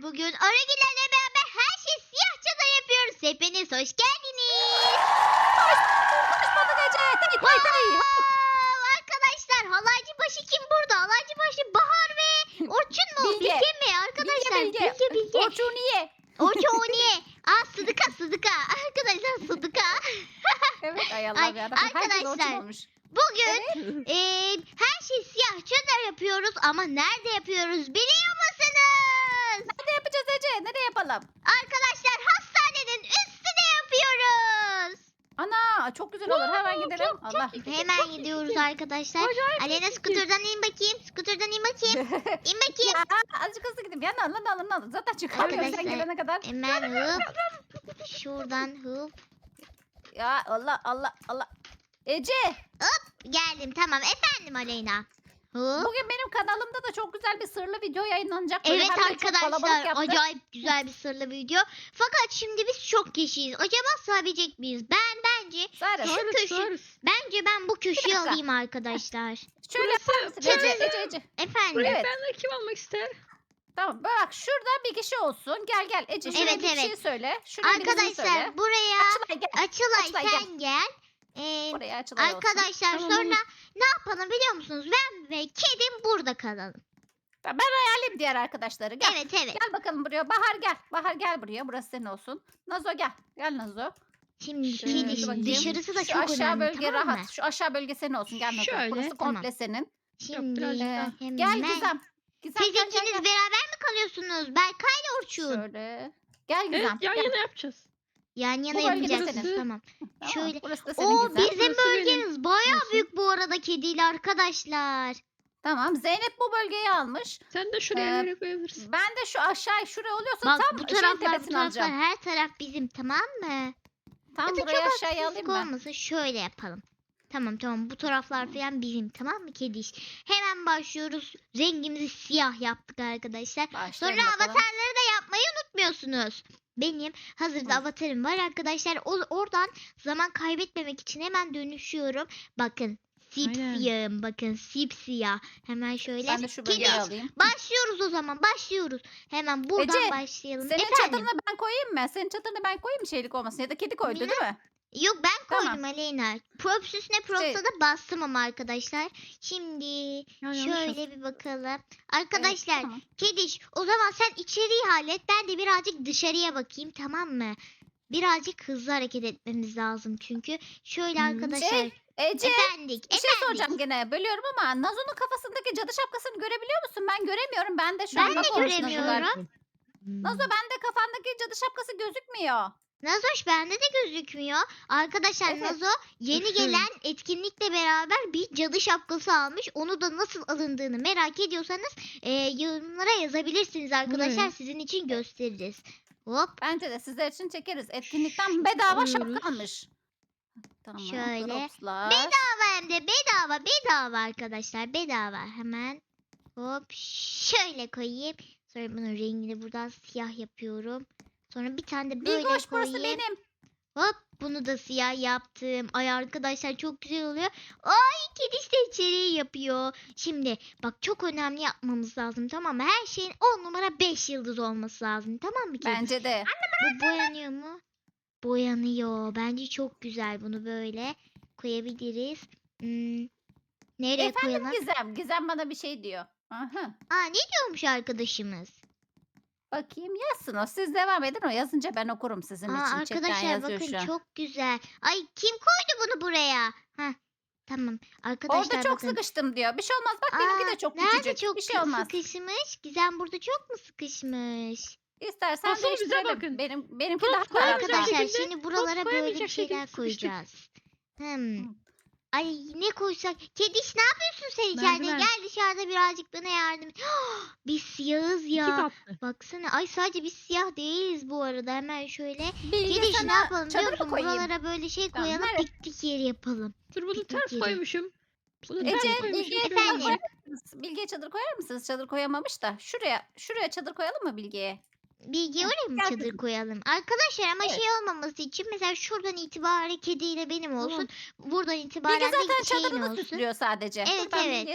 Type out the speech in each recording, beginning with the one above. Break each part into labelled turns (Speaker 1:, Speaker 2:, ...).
Speaker 1: bugün Aragilerle beraber her şey siyah çadır yapıyoruz. Hepiniz hoş geldiniz.
Speaker 2: Konuşmadık Ece. Tay.
Speaker 1: Arkadaşlar Halaycıbaşı kim burada? Halaycıbaşı Bahar ve Orçun mu?
Speaker 2: Bilge.
Speaker 1: Bilge mi? Arkadaşlar Bilge.
Speaker 2: Orçun niye?
Speaker 1: Orçun niye? Sıdıka. Arkadaşlar Sıdıka.
Speaker 2: Evet ay
Speaker 1: Ay,
Speaker 2: Allah ya. Herkes
Speaker 1: arkadaşlar.
Speaker 2: Orçun olmuş.
Speaker 1: Bugün her şey siyah çadır yapıyoruz ama nerede yapıyoruz biliyor musunuz?
Speaker 2: Nerede yapacağız Ece? Nerede yapalım?
Speaker 1: Arkadaşlar hastanenin üstüne yapıyoruz.
Speaker 2: Ana çok güzel olur. Hemen gidelim. Allah.
Speaker 1: Hemen gidiyoruz arkadaşlar. Alena skuterdan in bakayım. İn bakayım.
Speaker 2: Ya, azıcık hızlı gideyim. Ya lan. Zaten çıkamıyorum sen
Speaker 1: Arkadaşlar,
Speaker 2: gelene kadar.
Speaker 1: Hemen hıp. Şuradan hıp.
Speaker 2: Ya Allah. Ece
Speaker 1: Geldim tamam. Efendim Aleyna. Hıp.
Speaker 2: bugün benim kanalımda da çok güzel bir sırlı video yayınlanacak. Böyle
Speaker 1: Evet
Speaker 2: hem de çok kalabalık
Speaker 1: arkadaşlar
Speaker 2: yaptık.
Speaker 1: acayip güzel bir sırlı video. Fakat şimdi biz çok kişiyiz. Acaba sığabilecek miyiz? Bence
Speaker 2: Sare,
Speaker 1: şu köşe. Bence ben bu köşeyi
Speaker 2: dakika.
Speaker 1: alayım arkadaşlar.
Speaker 2: şöyle yapar mısın Ece?
Speaker 1: Efendim.
Speaker 2: Evet.
Speaker 3: Ben de kim almak ister?
Speaker 2: Tamam bak şurada bir kişi olsun. Gel Ece şuraya
Speaker 1: Evet,
Speaker 2: bir
Speaker 1: evet.
Speaker 2: şey söyle. Şuraya birisini söyle.
Speaker 1: Arkadaşlar buraya
Speaker 2: Açılay gel.
Speaker 1: Açılay
Speaker 2: Açılay,
Speaker 1: sen gel.
Speaker 2: Buraya Açılay olsun.
Speaker 1: Arkadaşlar
Speaker 3: Tamam,
Speaker 1: sonra
Speaker 3: olur.
Speaker 1: ne yapalım biliyor musunuz? Ben ve kedim burada kalalım.
Speaker 2: Ben ayarlayayım diğer arkadaşları. Gel.
Speaker 1: Evet.
Speaker 2: Gel bakalım buraya. Bahar gel. Bahar gel buraya. Burası senin olsun. Nazo gel. Gel Nazo.
Speaker 1: Şimdi
Speaker 3: Şöyle
Speaker 1: kedi
Speaker 2: bakayım.
Speaker 1: dışarısı da
Speaker 2: Şu
Speaker 1: çok
Speaker 2: aşağı
Speaker 1: önemli
Speaker 2: bölge
Speaker 1: tamam mı?
Speaker 2: rahat. Şu aşağı bölge senin olsun. Gel Nazo.
Speaker 3: Şöyle,
Speaker 2: Burası
Speaker 1: tamam.
Speaker 2: komple senin.
Speaker 1: Şimdi
Speaker 3: birazcık daha.
Speaker 1: hemen.
Speaker 2: Gel Gizem. Gizem
Speaker 1: Siz
Speaker 2: gel,
Speaker 1: ikiniz
Speaker 2: gel.
Speaker 1: beraber mi kalıyorsunuz? Berkay ile Orçun.
Speaker 2: Şöyle. Gel Gizem.
Speaker 3: Evet yan
Speaker 2: gel.
Speaker 3: yana yapacağız.
Speaker 1: Yan yana
Speaker 2: Bu bölge de
Speaker 1: yapacaksınız
Speaker 3: senin.
Speaker 1: tamam.
Speaker 2: Tamam,
Speaker 1: Şöyle.
Speaker 2: Burası da senin
Speaker 1: O
Speaker 2: Gizem.
Speaker 1: bizim
Speaker 3: Burası benim.
Speaker 1: bölgeniz bayağı
Speaker 3: Nasıl?
Speaker 1: büyük bu arada kediyle arkadaşlar.
Speaker 2: Tamam. Zeynep bu bölgeyi almış.
Speaker 3: Sen de şuraya
Speaker 2: Ee,
Speaker 3: nereye koyabilirsin?
Speaker 2: Ben de şu aşağı şuraya oluyorsa
Speaker 1: Bak
Speaker 2: tam
Speaker 1: bu
Speaker 2: şeyin
Speaker 1: taraflar
Speaker 2: tepesini alacağım.
Speaker 1: her taraf bizim tamam mı?
Speaker 2: Tam
Speaker 1: Hatta
Speaker 2: buraya
Speaker 1: çok
Speaker 2: aşağıya
Speaker 1: haksızlık
Speaker 2: alayım mı?
Speaker 1: olmasın şöyle yapalım. Tamam bu taraflar falan bizim tamam mı kediş? Hemen başlıyoruz. Rengimizi siyah yaptık arkadaşlar. Sonra
Speaker 2: Başlayalım bakalım.
Speaker 1: avatarları da yapmayı unutmuyorsunuz. Benim hazırda
Speaker 2: Hı.
Speaker 1: avatarım var arkadaşlar. Oradan zaman kaybetmemek için hemen dönüşüyorum. Bakın sipsiyahım bakın sipsiyah. Hemen şöyle.
Speaker 2: Ben de şu bölgeyi
Speaker 1: Kediş,
Speaker 2: alayım.
Speaker 1: başlıyoruz o zaman başlıyoruz. Hemen buradan
Speaker 2: Ece,
Speaker 1: başlayalım.
Speaker 2: Senin
Speaker 1: Efendim?
Speaker 2: çadırını ben koyayım mı? Senin çadırını ben koyayım mı şeylik olmasın? Ya da kedi koydu değil mi?
Speaker 1: Yok ben koydum
Speaker 2: Tamam.
Speaker 1: Aleyna. Props üstüne props'a
Speaker 2: Şey-
Speaker 1: da bastım ama arkadaşlar. Şimdi
Speaker 3: Yanlış
Speaker 1: şöyle bir bakalım. Arkadaşlar
Speaker 2: Evet, tamam.
Speaker 1: Kediş o zaman sen içeriği hallet. Ben de birazcık dışarıya bakayım tamam mı? Birazcık hızlı hareket etmemiz lazım çünkü. Şöyle arkadaşlar.
Speaker 2: Ece
Speaker 1: Efendik.
Speaker 2: bir şey soracağım gene. Bölüyorum ama Nazo'nun kafasındaki cadı şapkasını görebiliyor musun? Ben göremiyorum. Ben de şu
Speaker 1: Ben
Speaker 2: an
Speaker 1: de
Speaker 2: bak olmuş Nazo'lar.
Speaker 1: göremiyorum.
Speaker 2: Nazo bende kafandaki cadı şapkası gözükmüyor.
Speaker 1: Nazoş bende de gözükmüyor. Arkadaşlar
Speaker 2: Evet.
Speaker 1: Nazo yeni gelen etkinlikle beraber bir cadı şapkası almış. Onu da nasıl alındığını merak ediyorsanız yorumlara yazabilirsiniz arkadaşlar.
Speaker 3: ne?
Speaker 1: Sizin için gösteririz. Hop.
Speaker 2: Bence de sizler için çekeriz. Etkinlikten bedava
Speaker 3: Alıyoruz.
Speaker 2: şapka almış. Tamam.
Speaker 1: Şöyle.
Speaker 2: Dropslar.
Speaker 1: Bedava hem de bedava arkadaşlar. Bedava. Hemen hop şöyle koyayım. Sonra bunun rengini buradan siyah yapıyorum. Sonra bir tane de böyle
Speaker 2: Bilgoş burası
Speaker 1: koyayım.
Speaker 2: benim.
Speaker 1: Hop bunu da siyah yaptım. Ay arkadaşlar çok güzel oluyor. Ay kediş de içeriği yapıyor. Şimdi bak çok önemli yapmamız lazım tamam mı? Her şeyin 10 numara 5 yıldız olması lazım tamam mı kediş?
Speaker 2: Bence de.
Speaker 1: Bu boyanıyor mu? Boyanıyor. Bence çok güzel bunu böyle koyabiliriz. Nereye
Speaker 2: Efendim
Speaker 1: koyalım?
Speaker 2: Gizem. Gizem bana bir şey diyor. Aha.
Speaker 1: Ne diyormuş arkadaşımız?
Speaker 2: Bakayım yazsın o. Siz devam edin o. Yazınca ben okurum sizin için. Chatten
Speaker 1: Arkadaşlar
Speaker 2: yazıyor
Speaker 1: bakın
Speaker 2: şu an.
Speaker 1: çok güzel. Ay kim koydu bunu buraya? Tamam. Arkadaşlar
Speaker 2: Orada çok
Speaker 1: bakın.
Speaker 2: sıkıştım diyor. Bir şey olmaz. Bak benimki de çok
Speaker 1: Nerede
Speaker 2: küçücük.
Speaker 1: çok
Speaker 2: bir şey olmaz.
Speaker 1: sıkışmış? Gizem burada çok mu sıkışmış?
Speaker 2: İstersen
Speaker 3: Asıl bize
Speaker 2: değiştirelim.
Speaker 3: bakın.
Speaker 2: Benimki
Speaker 3: Pot
Speaker 2: daha
Speaker 3: koyamayacak
Speaker 2: rahat.
Speaker 1: Arkadaşlar
Speaker 3: şekilde-
Speaker 1: şimdi buralara böyle bir
Speaker 3: koyamayacak
Speaker 1: şeyler
Speaker 3: şekilde sıkıştık.
Speaker 1: koyacağız.
Speaker 2: Hı.
Speaker 1: Ay ne koysak? Kediş ne yapıyorsun sen içeride?
Speaker 3: Merdiven.
Speaker 1: Gel dışarıda birazcık bana yardım et. Biz siyahız
Speaker 3: İki
Speaker 1: ya.
Speaker 3: katlı.
Speaker 1: Baksana. Ay sadece biz siyah değiliz bu arada. Hemen şöyle.
Speaker 2: Bilge
Speaker 1: Kediş ne
Speaker 2: sana
Speaker 1: yapalım biliyor
Speaker 2: çadır mı
Speaker 1: musun?
Speaker 2: koyayım?
Speaker 1: Buralara böyle şey
Speaker 2: Tamam,
Speaker 1: koyalım.
Speaker 2: nereye?
Speaker 1: Piknik yeri yapalım.
Speaker 3: Dur bunu
Speaker 1: Piknik
Speaker 3: ters
Speaker 1: yeri.
Speaker 3: koymuşum. Bunu
Speaker 2: Ece,
Speaker 3: ters koymuşum.
Speaker 2: Bilge'ye
Speaker 3: Şöyle
Speaker 1: efendim.
Speaker 3: koy.
Speaker 2: Bilge'ye çadır koyar mısınız? Çadır koyamamış da. Şuraya çadır koyalım mı Bilge'ye?
Speaker 1: Bilgi oraya mı
Speaker 2: gel
Speaker 1: çadır
Speaker 2: kızım.
Speaker 1: koyalım? Arkadaşlar ama
Speaker 2: Evet.
Speaker 1: şey olmaması için mesela şuradan itibaren kediyle benim olsun. Buradan
Speaker 2: Bilge
Speaker 1: itibaren
Speaker 2: zaten
Speaker 1: de şeyin
Speaker 2: çadırını
Speaker 1: olsun.
Speaker 2: süslüyor sadece.
Speaker 1: Evet,
Speaker 2: Dur ben
Speaker 1: evet.
Speaker 2: Bilge'ye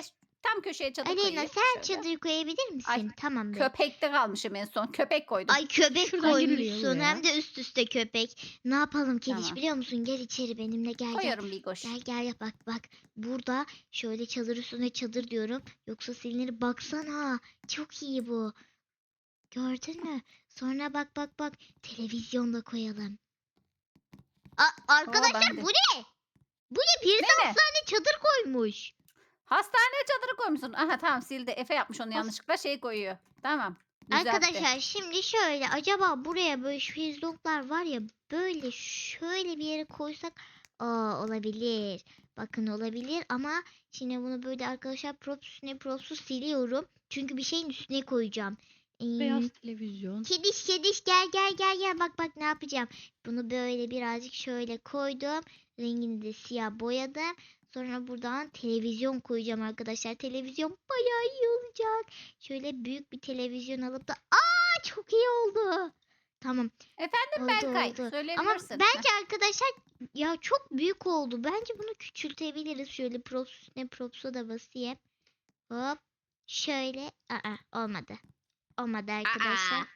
Speaker 2: Tam köşeye çadır
Speaker 1: Aleyna
Speaker 2: koyayım.
Speaker 1: sen
Speaker 2: Şöyle.
Speaker 1: çadır koyabilir misin?
Speaker 2: Ay,
Speaker 1: Tamam be.
Speaker 2: Köpekte kalmışım en son. Köpek koydum.
Speaker 1: Ay köpek
Speaker 3: Şuradan giriliyor
Speaker 1: koymuşsun
Speaker 3: buraya.
Speaker 1: hem de üst üste köpek. Ne yapalım Kediş
Speaker 2: Tamam.
Speaker 1: biliyor musun? Gel içeri benimle gel gel.
Speaker 2: Koyuyorum Bigoş.
Speaker 1: Gel gel bak. Burada şöyle çadır üstüne çadır diyorum. Yoksa silinir baksana. Çok iyi bu. Gördün mü? Sonra bak. Televizyonda koyalım. Arkadaşlar
Speaker 2: ben de.
Speaker 1: bu ne? Bu ne? Bir
Speaker 2: Ne?
Speaker 1: tane çadır koymuş.
Speaker 2: Hastaneye çadırı koymuşsun. Aha tamam sildi. Efe yapmış onu yanlışlıkla şey koyuyor. Tamam. Düzeltti.
Speaker 1: Arkadaşlar şimdi şöyle acaba buraya böyle şezlonglar var ya böyle şöyle bir yere koysak olabilir. Bakın olabilir ama şimdi bunu böyle arkadaşlar props'u siliyorum. Çünkü bir şeyin üstüne koyacağım.
Speaker 3: Beyaz televizyon.
Speaker 1: Kediş gel bak ne yapacağım. Bunu böyle birazcık şöyle koydum. Rengini de siyah boyadım. Sonra buradan televizyon koyacağım arkadaşlar. Televizyon bayağı iyi olacak. Şöyle büyük bir televizyon alıp da çok iyi oldu. Tamam.
Speaker 2: Efendim
Speaker 1: Oldu,
Speaker 2: Berkay.
Speaker 1: oldu. Ama
Speaker 2: Söyleyebilirsin.
Speaker 1: bence arkadaşlar ya çok büyük oldu. Bence bunu küçültebiliriz. Şöyle props'a da basayım. Hop. Şöyle. Olmadı. Olmadı arkadaşlar.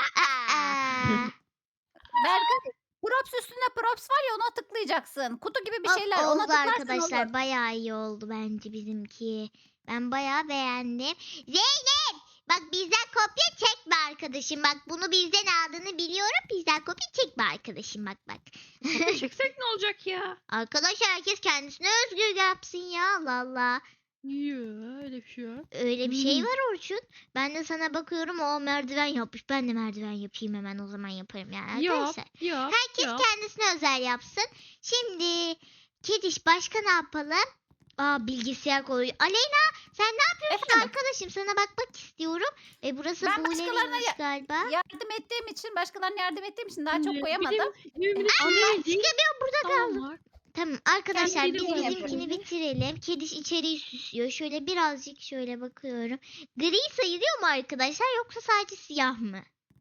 Speaker 2: Berkay. Props üstünde props var ya ona tıklayacaksın. Kutu gibi bir
Speaker 1: Hop,
Speaker 2: şeyler. Ona
Speaker 1: oldu
Speaker 2: tıklarsın
Speaker 1: arkadaşlar.
Speaker 2: olur.
Speaker 1: Bayağı iyi oldu bence bizimki. Ben bayağı beğendim. Zeynep! Bak bizden kopya çekme arkadaşım. Bak bunu bizden aldığını biliyorum. Bizden kopya çekme arkadaşım. Bak.
Speaker 3: Kopya çeksek ne olacak ya?
Speaker 1: Arkadaşlar herkes kendisine özgür yapsın ya. Allah Allah.
Speaker 3: Yok öyle bir şey yok.
Speaker 1: Öyle bir şey var Orçun. Ben de sana bakıyorum o merdiven yapmış. Ben de merdiven yapayım hemen o zaman yaparım yani arkadaşlar.
Speaker 3: Yap.
Speaker 1: Herkes kendisine özel yapsın. Şimdi Kediş başka ne yapalım? Bilgisayar koy. Aleyna sen ne yapıyorsun
Speaker 2: Efendim?
Speaker 1: arkadaşım? Sana bakmak istiyorum. Burası
Speaker 2: Ben başkalarına
Speaker 1: Buğule'ymiş galiba.
Speaker 2: Yardım ettiğim için, başkalarına yardım ettiğim için daha çok koyamadım.
Speaker 1: Çıkamıyorum burada kaldım.
Speaker 3: Tamam.
Speaker 1: Tamam arkadaşlar
Speaker 3: Kendi
Speaker 1: biz
Speaker 3: de
Speaker 1: bizimkini
Speaker 3: yapıyorum.
Speaker 1: bitirelim. Kediş içeriği süslüyor. Şöyle birazcık şöyle bakıyorum. Gri sayılıyor mu arkadaşlar yoksa sadece siyah mı?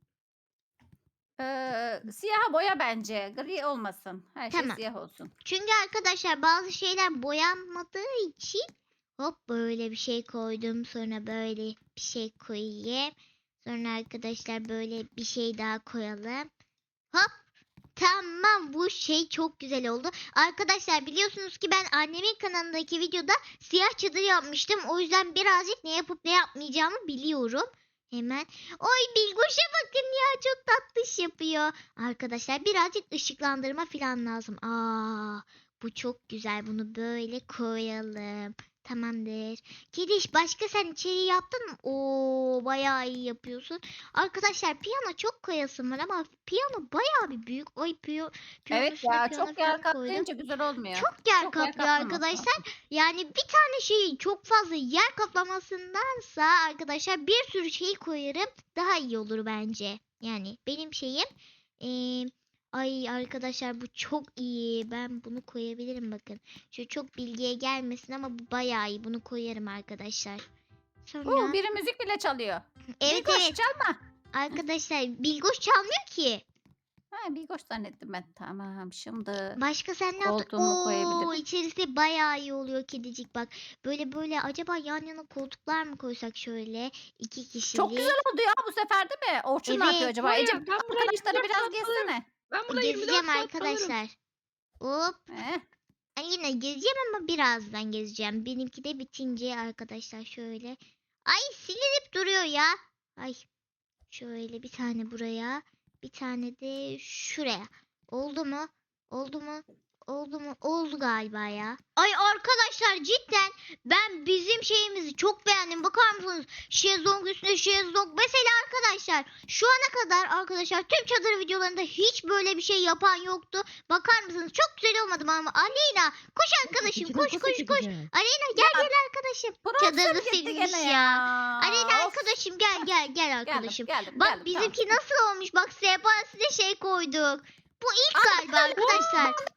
Speaker 2: Siyaha boya bence. Gri olmasın. Her şey
Speaker 1: Tamam.
Speaker 2: siyah olsun.
Speaker 1: Çünkü arkadaşlar bazı şeyler boyanmadığı için hop böyle bir şey koydum. Sonra böyle bir şey koyayım. Sonra arkadaşlar böyle bir şey daha koyalım. Hop. Tamam bu şey çok güzel oldu. Arkadaşlar biliyorsunuz ki ben annemin kanalındaki videoda siyah çadır yapmıştım. O yüzden birazcık ne yapıp ne yapmayacağımı biliyorum. Hemen. Oy Bilgoş'a bakın ya çok tatlış yapıyor. Arkadaşlar birazcık ışıklandırma falan lazım. Bu çok güzel. Bunu böyle koyalım. Tamamdır. Kediş başka sen içeriği yaptın mı? Bayağı iyi yapıyorsun. Arkadaşlar piyano çok koyasım var ama piyano bayağı bir büyük.
Speaker 2: Evet ya
Speaker 1: piyano
Speaker 2: çok
Speaker 1: falan
Speaker 2: yer
Speaker 1: koydum.
Speaker 2: kaplayınca güzel olmuyor.
Speaker 1: Çok yer
Speaker 2: Çok yer
Speaker 1: kaplıyor
Speaker 2: kaplaması.
Speaker 1: arkadaşlar. Yani bir tane şeyi çok fazla yer kaplamasındansa arkadaşlar bir sürü şey koyarım. Daha iyi olur bence. Yani benim şeyim. Ay arkadaşlar bu çok iyi. Ben bunu koyabilirim bakın. Şu çok bilgiye gelmesin ama bu bayağı iyi. Bunu koyarım arkadaşlar. Sonra
Speaker 2: Biri müzik bile çalıyor.
Speaker 1: evet
Speaker 2: Bilgoş
Speaker 1: evet
Speaker 2: çalma.
Speaker 1: arkadaşlar Bilgoş çalmıyor ki.
Speaker 2: Bilgoş zannettim ben. Tamam şimdi.
Speaker 1: Başka sen ne yaptın?
Speaker 2: Koltuğumu koyabilirim.
Speaker 1: İçerisi bayağı iyi oluyor kedicik bak. Böyle acaba yan yana koltuklar mı koysak şöyle 2 kişilik.
Speaker 2: Çok güzel oldu ya bu sefer değil mi? Orçun ne
Speaker 1: Evet.
Speaker 2: yapıyor acaba?
Speaker 3: Var ya,
Speaker 2: Ece
Speaker 3: ben burada
Speaker 2: arkadaşları
Speaker 3: 24
Speaker 2: biraz
Speaker 3: saat
Speaker 2: gezsene.
Speaker 3: Ben burada 24
Speaker 1: Gezeceğim
Speaker 3: saat kalırım.
Speaker 1: arkadaşlar. Hop.
Speaker 2: Eh,
Speaker 1: Yine gezeceğim ama birazdan gezeceğim. Benimki de bitince arkadaşlar şöyle. Ay silinip duruyor ya. Ay. Şöyle bir tane buraya. Bir tane de şuraya. Oldu mu? Oldu mu? Oldu mu? Oldu galiba ya. Ay arkadaşlar cidden ben bizim şeyimizi çok beğendim. Bakar mısınız? Şezlong üstüne şezlong. Mesela arkadaşlar şu ana kadar arkadaşlar tüm çadır videolarında hiç böyle bir şey yapan yoktu. Bakar mısınız? Çok güzel olmadı mı ama Aleyna koş arkadaşım
Speaker 3: İçine
Speaker 1: koş
Speaker 3: nasıl
Speaker 1: koş koş.
Speaker 3: gideceğiz?
Speaker 1: Aleyna gel arkadaşım.
Speaker 2: Profesör
Speaker 1: Çadırı
Speaker 2: gitti
Speaker 1: silmiş
Speaker 2: gene
Speaker 1: ya. Aleyna
Speaker 2: Of.
Speaker 1: arkadaşım gel
Speaker 2: Geldim,
Speaker 1: arkadaşım.
Speaker 2: geldim,
Speaker 1: Bak
Speaker 2: geldim,
Speaker 1: bizimki
Speaker 2: tamam.
Speaker 1: nasıl olmuş? Bak sehpasına şey koyduk. Bu ilk galiba arkadaşlar.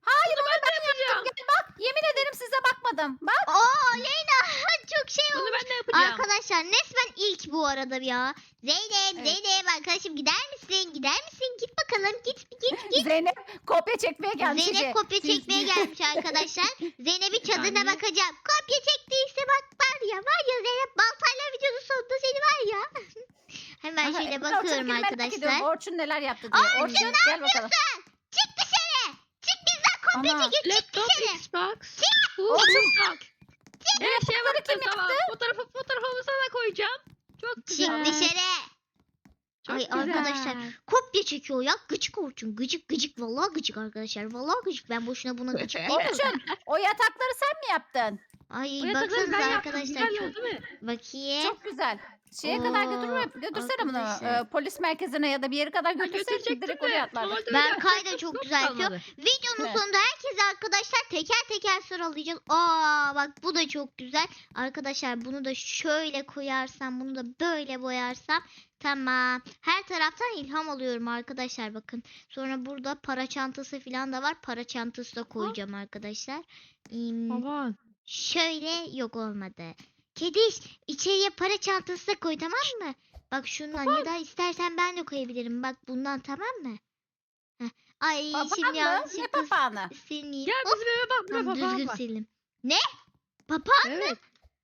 Speaker 2: Hayır onu ben
Speaker 3: yapacağım.
Speaker 2: yaptım. Gel bak. Yemin ederim size bakmadım. Bak.
Speaker 1: Aa Leyla çok şey
Speaker 3: Bunu
Speaker 1: oldu.
Speaker 3: ben de yapacağım.
Speaker 1: Arkadaşlar resmen ilk bu arada ya. Zeynep,
Speaker 2: Evet.
Speaker 1: Zeynep arkadaşım gider misin? Gider misin? Git bakalım. Git.
Speaker 2: Zeynep kopya çekmeye gelmiş.
Speaker 1: Zeynep
Speaker 2: Ece.
Speaker 1: kopya
Speaker 2: Siz-
Speaker 1: çekmeye gelmiş arkadaşlar. Zeynep'in çadırına
Speaker 3: saniye.
Speaker 1: bakacağım. Kopya çektiyse bak var ya Zeynep baltayla videonun sonunda seni var ya. Hemen
Speaker 2: Aha,
Speaker 1: şöyle
Speaker 2: Orçun'u
Speaker 1: bakıyorum
Speaker 2: merak ediyorum.
Speaker 1: arkadaşlar.
Speaker 2: Orçun neler yaptı diye.
Speaker 1: Orçun,
Speaker 2: Orçun
Speaker 1: ne
Speaker 2: gel bakalım.
Speaker 1: Çık dışarı. Çık bizden kopya
Speaker 2: Ana.
Speaker 1: çekiyor. Çık
Speaker 3: Laptop,
Speaker 1: dışarı.
Speaker 3: Xbox.
Speaker 2: Orçun.
Speaker 3: Bak. Evet şeye
Speaker 2: bunları
Speaker 3: baktım
Speaker 2: kim
Speaker 3: tamam. Fotoğrafımı sana koyacağım. Çok
Speaker 1: Çık
Speaker 3: güzel.
Speaker 1: dışarı.
Speaker 3: Çok
Speaker 1: Ay
Speaker 3: güzel.
Speaker 1: arkadaşlar kopya çekiyor ya. Gıcık Orçun. Gıcık. Vallahi gıcık arkadaşlar. Vallahi gıcık. Ben boşuna buna gıcık demiyorum.
Speaker 2: Orçun o yatakları sen mi yaptın?
Speaker 1: Ay
Speaker 3: Bu yatakları
Speaker 1: baksanıza
Speaker 3: ben yaptım.
Speaker 1: arkadaşlar.
Speaker 3: Güzel oldu mu?
Speaker 1: Bakayım.
Speaker 2: Çok güzel. Şeye kadar götürsene bunu.
Speaker 1: arkadaşlar.
Speaker 2: Polis merkezine ya da bir yere kadar götürsene
Speaker 3: Götürecektim
Speaker 2: direkt
Speaker 3: de,
Speaker 2: oraya atlarlar.
Speaker 3: normalde öyle
Speaker 1: Berkay da
Speaker 3: yapacaktım,
Speaker 1: çok
Speaker 3: çok
Speaker 1: güzel yapıyor.
Speaker 3: kalmadı.
Speaker 1: Videonun
Speaker 2: Evet.
Speaker 1: sonunda herkese arkadaşlar teker sıralayacağız. Aa bak bu da çok güzel. Arkadaşlar bunu da şöyle koyarsam, bunu da böyle boyarsam tamam. Her taraftan ilham alıyorum arkadaşlar bakın. Sonra burada para çantası falan da var. Para çantası da koyacağım arkadaşlar.
Speaker 3: Aman.
Speaker 1: Şöyle yok olmadı. Kediş içeriye para çantası da koy tamam mı? Bak şundan ya da istersen ben de koyabilirim. Bak bundan tamam mı? Heh. Ay
Speaker 2: Papağan
Speaker 1: şimdi
Speaker 2: mı? Ne
Speaker 1: yanlışlıkla
Speaker 2: papağanı?
Speaker 1: sileyim.
Speaker 3: Gel
Speaker 1: Hop,
Speaker 3: bizim eve bak. Burada
Speaker 1: tamam,
Speaker 3: papağan
Speaker 1: düzgün
Speaker 3: var.
Speaker 1: sildim. Ne? Papağan?
Speaker 3: Evet.